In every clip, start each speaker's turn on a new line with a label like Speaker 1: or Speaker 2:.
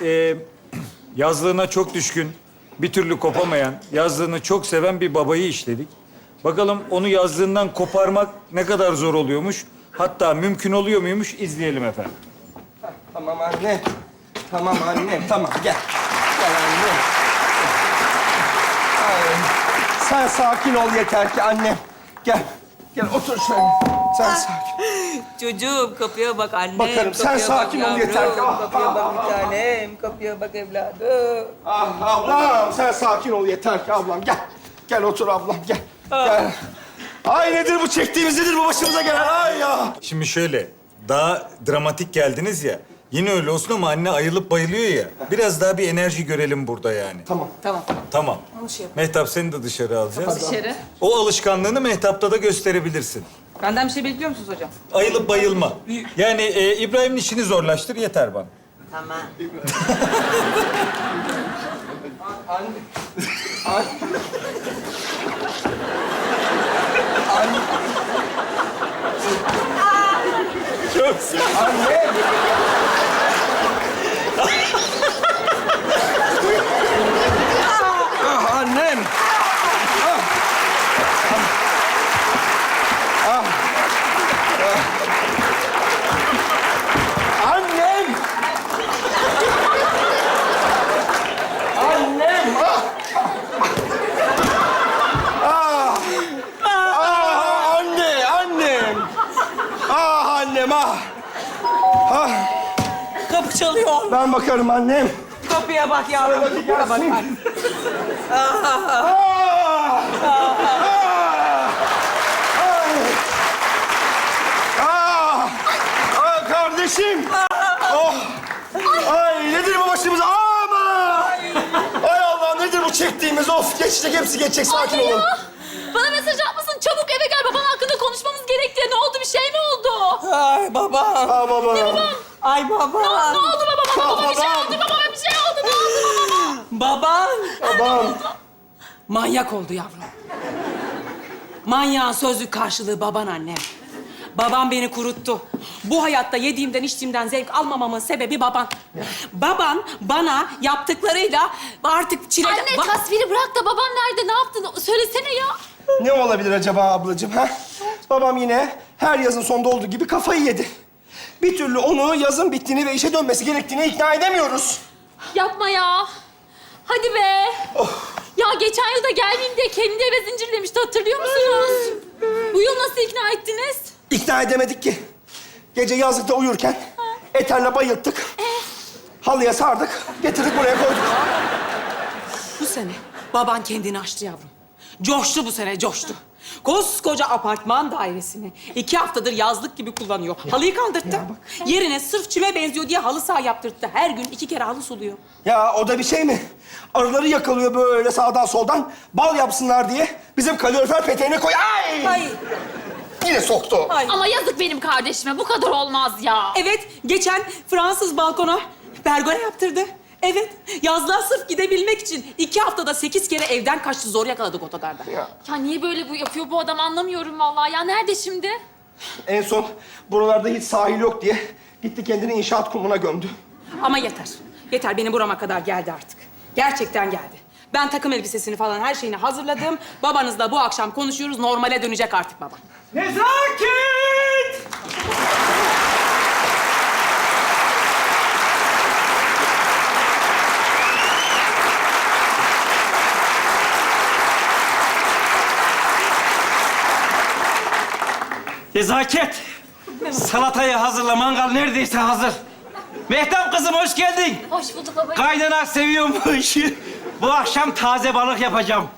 Speaker 1: yazlığına çok düşkün, bir türlü kopamayan, yazlığını çok seven bir babayı işledik. Bakalım onu yazlığından koparmak ne kadar zor oluyormuş, hatta mümkün oluyor muymuş izleyelim efendim.
Speaker 2: Tamam anne. Tamam anne. Tamam gel. Gel anne. Ay, sen sakin ol yeter ki annem. Gel. Gel otur şöyle. Sen sakin.
Speaker 3: Çocuğum kapıya bak annem.
Speaker 2: Bakarım, sen
Speaker 3: kapıya bak
Speaker 2: sakin ol
Speaker 3: yavrum,
Speaker 2: yeter ki.
Speaker 3: Kapıya bak bir tanem. Kapıya bak evladım.
Speaker 2: Ah ablam sen sakin ol yeter ki ablam. Gel. Gel otur ablam gel. Gel. Ay nedir bu çektiğimiz nedir bu başımıza gelen ay ya.
Speaker 1: Şimdi şöyle, daha dramatik geldiniz ya. Yine öyle olsun ama anne ayılıp bayılıyor ya. Biraz daha bir enerji görelim burada yani.
Speaker 2: Tamam.
Speaker 3: Tamam.
Speaker 1: Tamam.
Speaker 3: Onu şey yap.
Speaker 1: Mehtap seni de dışarı alacağız.
Speaker 3: Dışarı.
Speaker 1: O alışkanlığını Mehtap'ta da gösterebilirsin.
Speaker 3: Benden bir şey bekliyor musunuz hocam?
Speaker 1: Ayılıp bayılma. Yani İbrahim'in işini zorlaştır yeter bana.
Speaker 3: Tamam.
Speaker 2: Anne. Anne.
Speaker 1: Çok güzel.
Speaker 2: Anne. Ah annem. Ah. Ah. Ah. Annem. Annem. Ah. Ah. Ah anne, annem. Ah annem ah. Ah.
Speaker 3: Kapı çalıyor.
Speaker 2: Ben bakarım annem.
Speaker 3: Kapıya bak yavrum. Kapıya bak.
Speaker 2: Ah! Ah! Ah! Ah kardeşim! Oh! Ay nedir bu başımıza? Aman! Ay Allah nedir bu çektiğimiz? Of geçecek hepsi geçecek sakin olun.
Speaker 4: Bana mesaj atmasın. Çabuk eve gel. Baban hakkında konuşmamız gerek diye. Ne oldu? Bir şey mi oldu?
Speaker 3: Ay baba.
Speaker 2: Ah baba.
Speaker 3: Ay baba.
Speaker 4: Ne oldu babama? Babama bir şey
Speaker 2: Babam.
Speaker 4: oldu. Babama bir şey oldu. Ne oldu babama?
Speaker 3: Baban.
Speaker 2: Babam.
Speaker 3: Manyak oldu yavrum. Manyağın sözlük karşılığı baban anne. Babam beni kuruttu. Bu hayatta yediğimden içtiğimden zevk almamamın sebebi baban. Baban bana yaptıklarıyla artık çileden...
Speaker 4: Anne tasviri bırak da babam nerede? Ne yaptın? Söylesene ya.
Speaker 2: Ne olabilir acaba ablacığım ha? Babam yine her yazın sonunda olduğu gibi kafayı yedi. Bir türlü onu yazın bittiğini ve işe dönmesi gerektiğini ikna edemiyoruz.
Speaker 4: Yapma ya. Hadi be. Ya geçen yılda gelmeyeyim diye kendini eve zincirlemişti. Hatırlıyor musunuz? Bu yıl nasıl ikna ettiniz?
Speaker 2: İkna edemedik ki. Gece yazlıkta uyurken eterle bayılttık. Halıya sardık, getirdik buraya koyduk.
Speaker 3: Bu sene baban kendini aştı yavrum. Coştu bu sene, coştu. Koskoca apartman dairesini 2 haftadır yazlık gibi kullanıyor. Halıyı kaldırttı. Yerine sırf çime benziyor diye halı saha yaptırttı. Her gün 2 kere halı suluyor.
Speaker 2: Ya o da bir şey mi? Arıları yakalıyor böyle sağdan soldan. Bal yapsınlar diye bizim kalorifer peteğine koy. Ay!
Speaker 3: Ay,
Speaker 2: Yine soktu.
Speaker 3: ay.
Speaker 4: Ama yazık benim kardeşime. Bu kadar olmaz ya.
Speaker 3: Evet, geçen Fransız balkona pergola yaptırdı. Evet, yazlığa sırf gidebilmek için 2 haftada 8 kere evden kaçtı. Zor yakaladık otogarda.
Speaker 4: Ya niye böyle bu yapıyor bu adam anlamıyorum vallahi. Ya nerede şimdi?
Speaker 2: En son buralarda hiç sahil yok diye gitti kendini inşaat kumuna gömdü.
Speaker 3: Ama yeter. Yeter, benim burama kadar geldi artık. Gerçekten geldi. Ben takım elbisesini falan her şeyini hazırladım. Babanızla bu akşam konuşuyoruz. Normale dönecek artık baba.
Speaker 2: Nezaket!
Speaker 5: Nezaket. Salatayı hazırla, mangal neredeyse hazır. Mehtap kızım hoş geldin.
Speaker 4: Hoş bulduk baba.
Speaker 5: Kaynanak seviyormuş. Bu akşam taze balık yapacağım.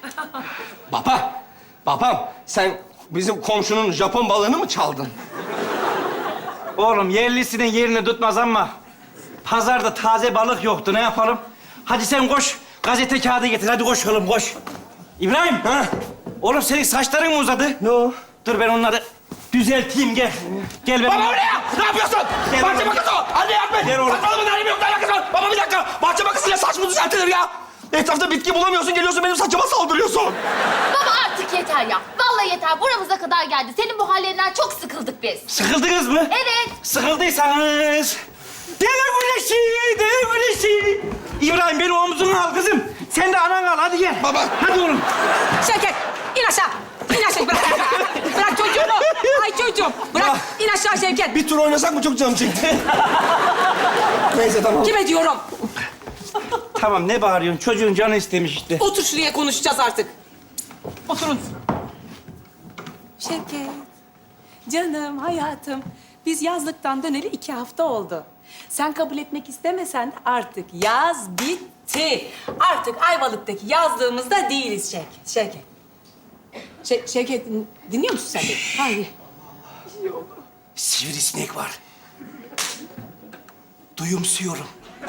Speaker 2: Babam sen bizim komşunun Japon balığını mı çaldın?
Speaker 5: Oğlum yerlisinin yerini tutmaz ama pazarda taze balık yoktu. Ne yapalım? Hadi sen koş. Gazete kağıdı getir. Hadi koş oğlum koş. İbrahim.
Speaker 2: Ha?
Speaker 5: Oğlum senin saçların mı uzadı?
Speaker 2: Ne o?
Speaker 5: Dur ben onları düzelteyim gel. Gel benim.
Speaker 2: Baba buraya! Ne yapıyorsun?
Speaker 5: Gel
Speaker 2: Bahçe
Speaker 5: oğlum.
Speaker 2: bakısı o! Anne yapma!
Speaker 5: Gel oğlum.
Speaker 2: Saçmalama halim yok, ne alakası var? Baba bir dakika! Bahçe bakısıyla saç mı düzeltilir ya? Etrafta bitki bulamıyorsun, geliyorsun benim saçıma saldırıyorsun.
Speaker 4: Baba artık yeter ya. Vallahi yeter. Buramıza kadar geldi. Senin bu hallerinden çok sıkıldık biz.
Speaker 5: Sıkıldınız mı?
Speaker 4: Evet.
Speaker 5: Sıkıldıysanız Deve güneşi, deve güneşi. İbrahim beni omzuna al kızım. Sen de anan al, hadi gel.
Speaker 2: Baba.
Speaker 5: Hadi oğlum.
Speaker 3: Şevket, in aşağı. İn aşağı, bırak. Bırak çocuğumu. Ay çocuğum, bırak. İn aşağı Şevket.
Speaker 2: Bir tur oynasak mı? Çok canım çekti. Neyse tamam.
Speaker 3: Kime diyorum?
Speaker 5: Tamam, ne bağırıyorsun? Çocuğun canı istemiş işte.
Speaker 3: Otur şuraya konuşacağız artık. Oturun. Şevket, canım, hayatım. Biz yazlıktan döneli 2 hafta oldu. Sen kabul etmek istemesen de artık yaz bitti. Artık Ayvalık'taki yazlığımızda değiliz Şevket. Şevket, dinliyor musun sen beni? Hayır.
Speaker 2: Sivrisinek var. Duyumsuyorum.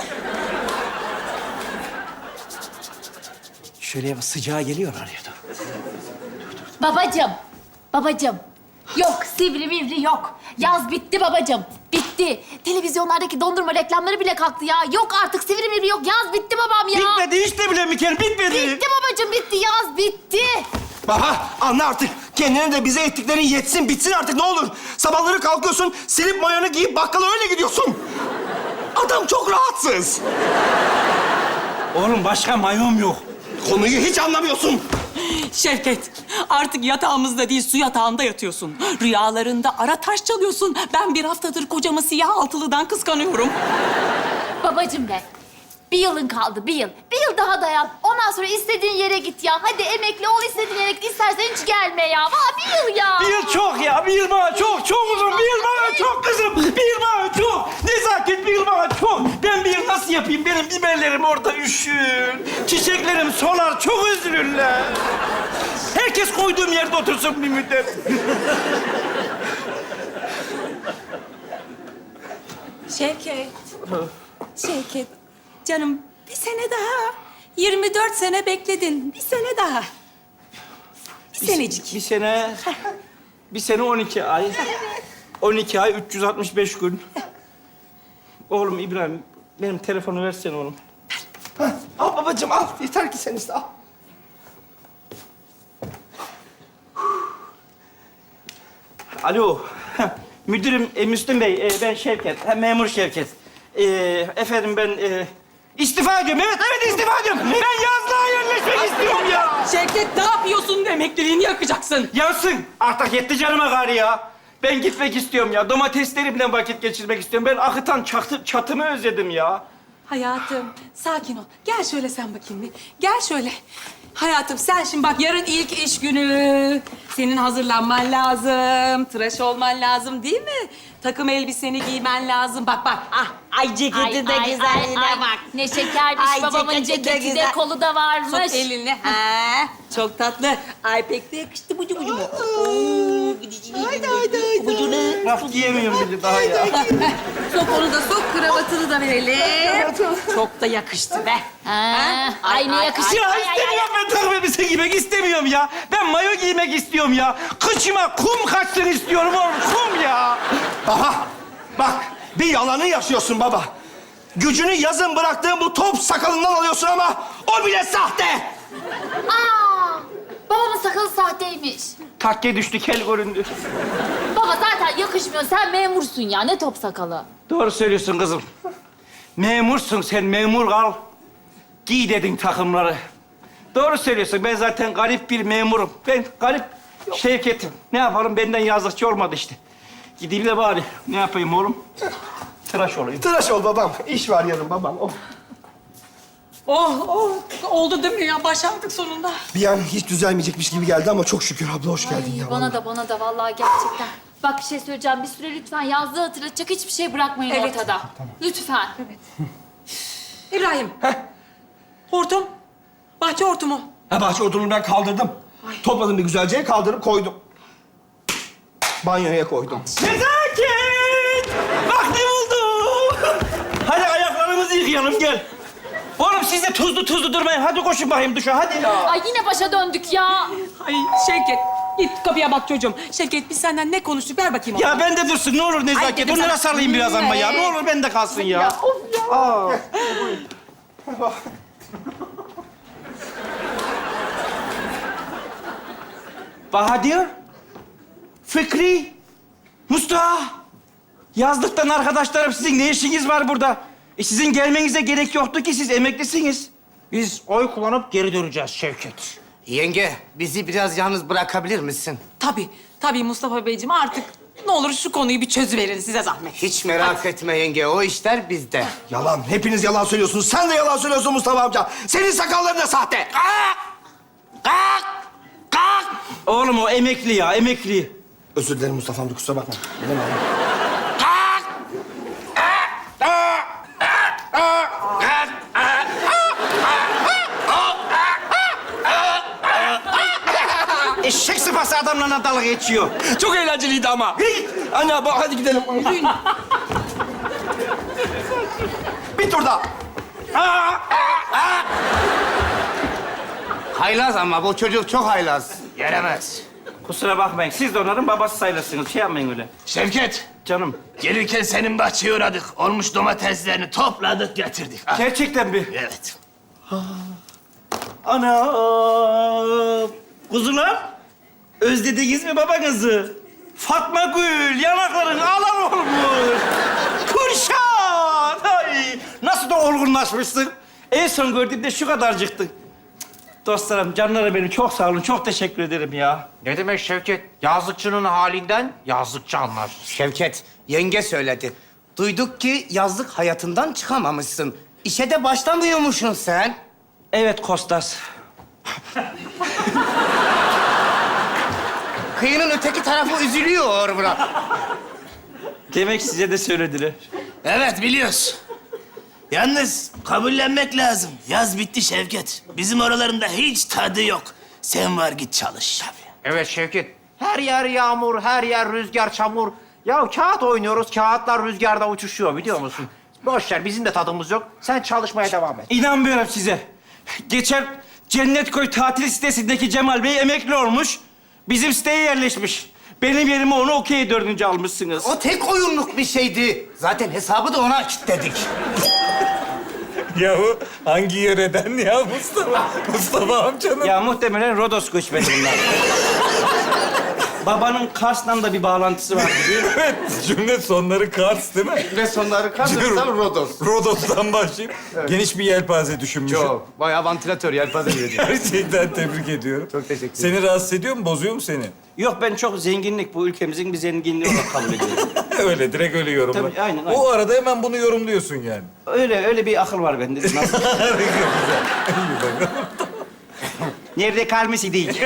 Speaker 5: Şöyle sıcağı geliyor araya da.
Speaker 4: Babacığım, babacığım. Yok, sivri mivri yok. Yaz bitti babacığım, bitti. Televizyonlardaki dondurma reklamları bile kalktı ya. Yok artık sivri mivri yok. Yaz bitti babam ya.
Speaker 5: Bitmedi işte bile Mikel, bitmedi.
Speaker 4: Bitti babacığım, bitti. Yaz bitti.
Speaker 2: Baba anla artık. Kendine de bize ettiklerin yetsin, bitsin artık ne olur. Sabahları kalkıyorsun, silip mayonu giyip bakkala öyle gidiyorsun. Adam çok rahatsız.
Speaker 5: Oğlum başka mayom yok.
Speaker 2: Konuyu hiç anlamıyorsun.
Speaker 3: Şevket, artık yatağımızda değil, su yatağında yatıyorsun. Rüyalarında ara taş çalıyorsun. Ben bir haftadır kocamı siyah altılıdan kıskanıyorum.
Speaker 4: Babacığım be. Bir yılın kaldı, bir yıl. Bir yıl daha dayan. Ondan sonra istediğin yere git ya. Hadi emekli ol, istediğin yere git. İstersen hiç gelme ya. Valla bir yıl ya.
Speaker 5: Bir yıl çok ya, bir yıl bana çok, çok uzun. Bir yıl bana çok kızım, bir yıl bana çok. Nezaket bir yıl bana çok. Ben bir yıl nasıl yapayım? Benim biberlerim orada üşür. Çiçeklerim solar, çok üzülürler. Herkes koyduğum yerde otursun bir müddet.
Speaker 3: Şevket. Şevket. Canım bir sene daha. 24 sene bekledin. Bir sene daha. Bir senecik.
Speaker 5: Bir sene 12 ay. 12 ay, 365 gün. Oğlum İbrahim, benim telefonu versene oğlum.
Speaker 2: Al babacığım al. Yeter ki sen iste al.
Speaker 5: Alo. Müdürüm Müslüm Bey, ben Şevket. Memur Şevket. Efendim ben istifa ediyorum. Evet istifa ediyorum. Ben yazlığa yerleşmek istiyorum ya.
Speaker 3: Şevket ne yapıyorsun? Emekliliğini yakacaksın.
Speaker 5: Yansın. Artık yetti canıma gari ya. Ben gitmek istiyorum ya. Domateslerimle vakit geçirmek istiyorum. Ben akıtan çatımı özledim ya.
Speaker 3: Hayatım sakin ol. Gel şöyle sen bakayım bir. Gel şöyle. Hayatım sen şimdi bak yarın ilk iş günü. Senin hazırlanman lazım. Tıraş olman lazım değil mi? Takım elbiseni giymen lazım. Bak bak. Ah, ay ceketi de güzelliğine bak.
Speaker 4: Ne şekermiş
Speaker 3: Ay,
Speaker 4: babamın
Speaker 3: ceketi de
Speaker 4: ceketi de
Speaker 3: güzel.
Speaker 4: kolu da varmış.
Speaker 3: Sok elini. Ha, çok tatlı. Ay pek de yakıştı bucu bucu mu? Bucunu.
Speaker 5: Laf giyemiyorum bir de daha ya.
Speaker 3: Sok onu da sok, kravatını da verelim. Çok da yakıştı be.
Speaker 4: Ha, ay ne yakışıyor.
Speaker 5: Ya
Speaker 4: Ay, ay, ay.
Speaker 5: istemiyorum ben takım elbise giymek istemiyorum ya. Ben mayo giymek istiyorum ya. Kıçıma kum kaçsın istiyorum oğlum. Kum ya.
Speaker 2: Aha bak bir yalanı yaşıyorsun baba. Gücünü yazın bıraktığın bu top sakalından alıyorsun ama o bile sahte.
Speaker 4: Aa, babamın sakalı sahteymiş.
Speaker 5: Takke düştü, kel göründü.
Speaker 4: Baba zaten yakışmıyor. Sen memursun ya. Ne top sakalı?
Speaker 5: Doğru söylüyorsun kızım. Memursun sen, memur kal. Giy dedin takımları. Doğru söylüyorsun. Ben zaten garip bir memurum. Ben garip Şevket'im. Ne yapalım? Benden yazlıkçı olmadı işte. Gideyim de bari. Ne yapayım oğlum? Tıraş olayım.
Speaker 2: Tıraş ol babam. İş var yarın babam. Oh.
Speaker 3: Oh, oldu değil mi ya? Başardık sonunda.
Speaker 2: Bir an hiç düzelmeyecekmiş gibi geldi ama çok şükür abla hoş geldin ya.
Speaker 4: Bana da vallahi gerçekten. Bak bir şey söyleyeceğim. Bir süre lütfen yazlığı hatırlatacak hiçbir şey bırakmayın
Speaker 3: Evet.
Speaker 4: ortada. Lütfen.
Speaker 3: İbrahim. Hortum. Bahçe hortumu.
Speaker 2: Ha bahçe odunu ben kaldırdım. Topladım bir güzelce kaldırıp koydum. Banyoya koydum.
Speaker 5: Nezaket! Bak ne buldum! Hadi ayaklarımızı yıkayalım, gel. Oğlum siz de tuzlu durmayın. Hadi koşun bakayım duşa, hadi.
Speaker 4: Ay yine başa döndük ya.
Speaker 3: Ay Şevket. Git kapıya bak çocuğum. Şevket biz senden ne konuştuk? Ver bakayım onu.
Speaker 5: Ya ben de dursun, ne olur
Speaker 3: Ay,
Speaker 5: Nezaket.
Speaker 3: dedim
Speaker 5: Bunlara
Speaker 3: sana.
Speaker 5: sarılayım biraz ama ya. Ne olur bende kalsın ya. Aa. Bahadır, Fikri, Mustafa. Yazlıktan arkadaşlarım, sizin ne işiniz var burada? Sizin gelmenize gerek yoktu ki, siz emeklisiniz.
Speaker 6: Biz oy kullanıp geri döneceğiz Şevket.
Speaker 7: Yenge, bizi biraz yalnız bırakabilir misin?
Speaker 3: Tabii Mustafa Beyciğim artık ne olur şu konuyu bir çözüverin size zahmet.
Speaker 7: Hiç merak etme yenge, o işler bizde.
Speaker 2: Yalan. Hepiniz yalan söylüyorsunuz. Sen de yalan söylüyorsun Mustafa amca. Senin sakalların da sahte.
Speaker 5: Oğlum o emekli ya, emekli.
Speaker 2: Özür dilerim Mustafa amca, kusura bakma. Bilemedim.
Speaker 5: Eşek sıpası adamla dalga geçiyor.
Speaker 2: Çok eğlenceliydi ama. Anne bak, hadi gidelim. Bir tur daha.
Speaker 7: Haylaz ama bu çocuk çok haylaz.
Speaker 6: Gelemez.
Speaker 5: Kusura bakmayın, siz de onların babası sayılırsınız. Şey yapmayın öyle.
Speaker 6: Şevket,
Speaker 5: Canım,
Speaker 6: gelirken senin bahçeye uğradık. Olmuş domateslerini topladık, getirdik. Ah,
Speaker 5: gerçekten mi?
Speaker 6: evet.
Speaker 5: Ana! Kuzular, özlediniz mi babanızı? Fatma Gül, yanakların alan olmuş. Kurşan! Ay, nasıl da olgunlaşmışsın. En son gördüğümde şu kadarcıktın. Dostlarım, canlarım benim, çok sağ olun, çok teşekkür ederim ya.
Speaker 6: Ne demek Şevket? Yazlıkçının halinden yazlıkçı anlar.
Speaker 7: Şevket, yenge söyledi. Duyduk ki yazlık hayatından çıkamamışsın. İşe de başlamıyormuşsun sen.
Speaker 5: Evet Kostas.
Speaker 7: Kıyının öteki tarafı üzülüyor bırak.
Speaker 5: Demek size de söylediler.
Speaker 6: Evet, biliyoruz. Yalnız kabullenmek lazım. Yaz bitti Şevket. Bizim oralarında hiç tadı yok. Sen var git çalış.
Speaker 8: Evet Şevket. Her yer yağmur, her yer rüzgar, çamur. Ya kağıt oynuyoruz, kağıtlar rüzgarda uçuşuyor biliyor musun? Boş ver, bizim de tadımız yok. Sen çalışmaya devam et.
Speaker 5: İnanmıyorum size. Geçen Cennetköy tatil sitesindeki Cemal Bey emekli olmuş. Bizim siteye yerleşmiş. Benim yerime onu okey 4. almışsınız.
Speaker 7: O tek oyunluk bir şeydi. Zaten hesabı da ona kilitledik.
Speaker 1: Yahu hangi yöreden ya Mustafa? Mustafa amcanın.
Speaker 5: Ya muhtemelen Rodos göçmeni bunlar. Babanın Kars'la da bir bağlantısı var değil mi?
Speaker 1: Evet, cümle sonları Kars değil mi?
Speaker 7: Ve sonları kazanırsam Rodos.
Speaker 1: Rodos'tan başlayıp geniş bir yelpaze düşünmüşüm.
Speaker 7: Çok. Bayağı vantilatör, yelpaze gibi.
Speaker 1: Gerçekten tebrik ediyorum.
Speaker 7: Çok teşekkür
Speaker 1: Seni rahatsız ediyor mu, bozuyor mu seni?
Speaker 5: Yok, ben çok zenginlik, bu ülkemizin bir zenginliği olarak kabul ediyorum.
Speaker 1: Öyle, direkt öyle yorumla.
Speaker 5: Tabii, aynen.
Speaker 1: O arada hemen bunu yorumluyorsun yani.
Speaker 5: Öyle bir akıl var bende. Nasıl? Nerede kalması değil.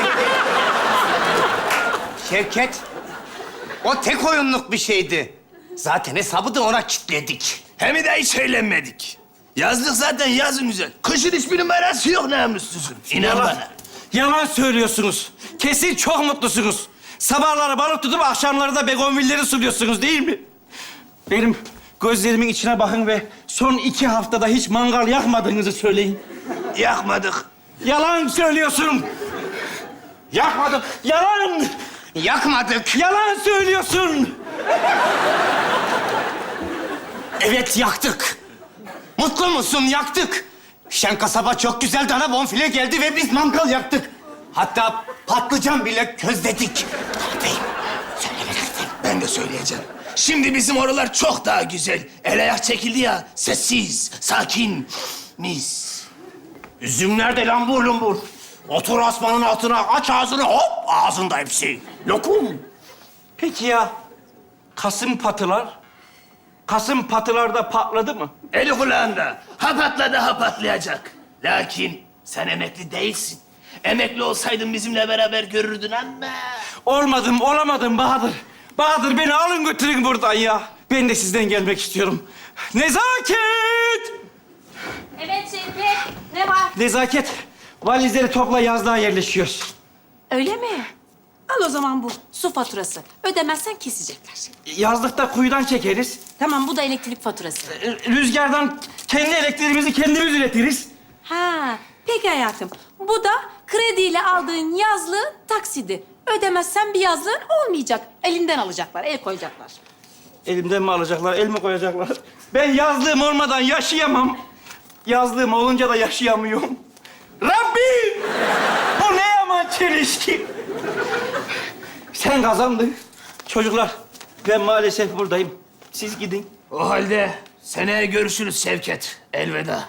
Speaker 7: Şevket, o tek oyunluk bir şeydi. Zaten hesabı da ona kilitledik.
Speaker 6: Hem de hiç eğlenmedik. Yazlık zaten yazın güzel. Kışın hiçbir numarası yok namussuzun. İnan bana.
Speaker 5: Yalan söylüyorsunuz. Kesin çok mutlusunuz. Sabahları balık tutup akşamları da begonvilleri suluyorsunuz değil mi? Benim gözlerimin içine bakın ve son 2 haftada hiç mangal yakmadığınızı söyleyin.
Speaker 6: Yakmadık.
Speaker 5: Yalan söylüyorsun. Yakmadık. Yalan.
Speaker 7: Yakmadık.
Speaker 5: Yalan söylüyorsun.
Speaker 7: Evet, yaktık. Mutlu musun? Yaktık. Şen kasaba çok güzel dana bonfile geldi ve biz mangal yaktık. Hatta patlıcan bile közledik. Beyim, söylemelisin.
Speaker 6: Ben de söyleyeceğim. Şimdi bizim oralar çok daha güzel. El ayak çekildi ya. Sessiz, sakin, mis. Üzüm nerede lambur lumbur? Otur asmanın altına, aç ağzını hop ağzında hepsi. Lokum.
Speaker 5: Peki ya Kasım patılar? Kasım patılarda patladı mı?
Speaker 6: Eli kulağında. Ha patladı ha patlayacak. Lakin sen emekli değilsin. Emekli olsaydın bizimle beraber görürdün ama.
Speaker 5: Olmadım, olamadım Bahadır. Bahadır beni alın götürün buradan ya. Ben de sizden gelmek istiyorum. Nezaket!
Speaker 4: Evet Şevket. Ne var?
Speaker 5: Nezaket, valizleri topla, yazlığa yerleşiyoruz.
Speaker 3: Öyle mi? Al o zaman bu su faturası. Ödemezsen kesecekler.
Speaker 5: Yazlıkta kuyudan çekeriz.
Speaker 3: Tamam bu da elektrik faturası.
Speaker 5: Rüzgardan kendi elektriğimizi kendimiz üretiriz.
Speaker 3: Ha, peki hayatım. Bu da krediyle aldığın yazlığın taksidi. Ödemezsen bir yazlığın olmayacak. Elinden alacaklar, el koyacaklar.
Speaker 5: Elimden mi alacaklar, el mi koyacaklar? Ben yazlığım olmadan yaşayamam. Yazlığım olunca da yaşayamıyorum. Rabbim! Bu ne yaman çelişki. Sen kazandın. Çocuklar, Ben maalesef buradayım. Siz gidin.
Speaker 6: O halde seneye görüşürüz Şevket. Elveda.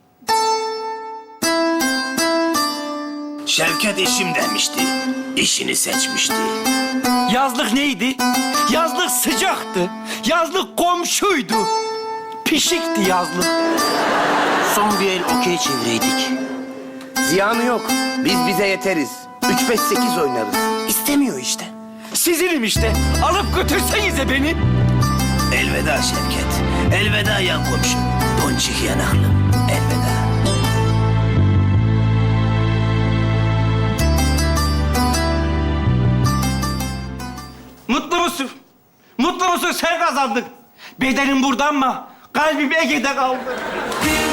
Speaker 6: Şevket işim demişti. İşini seçmişti.
Speaker 5: Yazlık neydi? Yazlık sıcaktı. Yazlık komşuydu. Pişikti yazlık.
Speaker 7: Son bir el okey çevireydik. Ziyanı yok. Biz bize yeteriz. 3-5-8 oynarız. İstemiyor işte.
Speaker 5: Sizinim işte. Alıp götürsenize beni.
Speaker 6: Elveda Şevket. Elveda yan komşum. Ponçik yanaklım. Elveda.
Speaker 5: Mutlu musun? Mutlu musun? Sen kazandın. Bedenin burada ama kalbim Ege'de kaldı.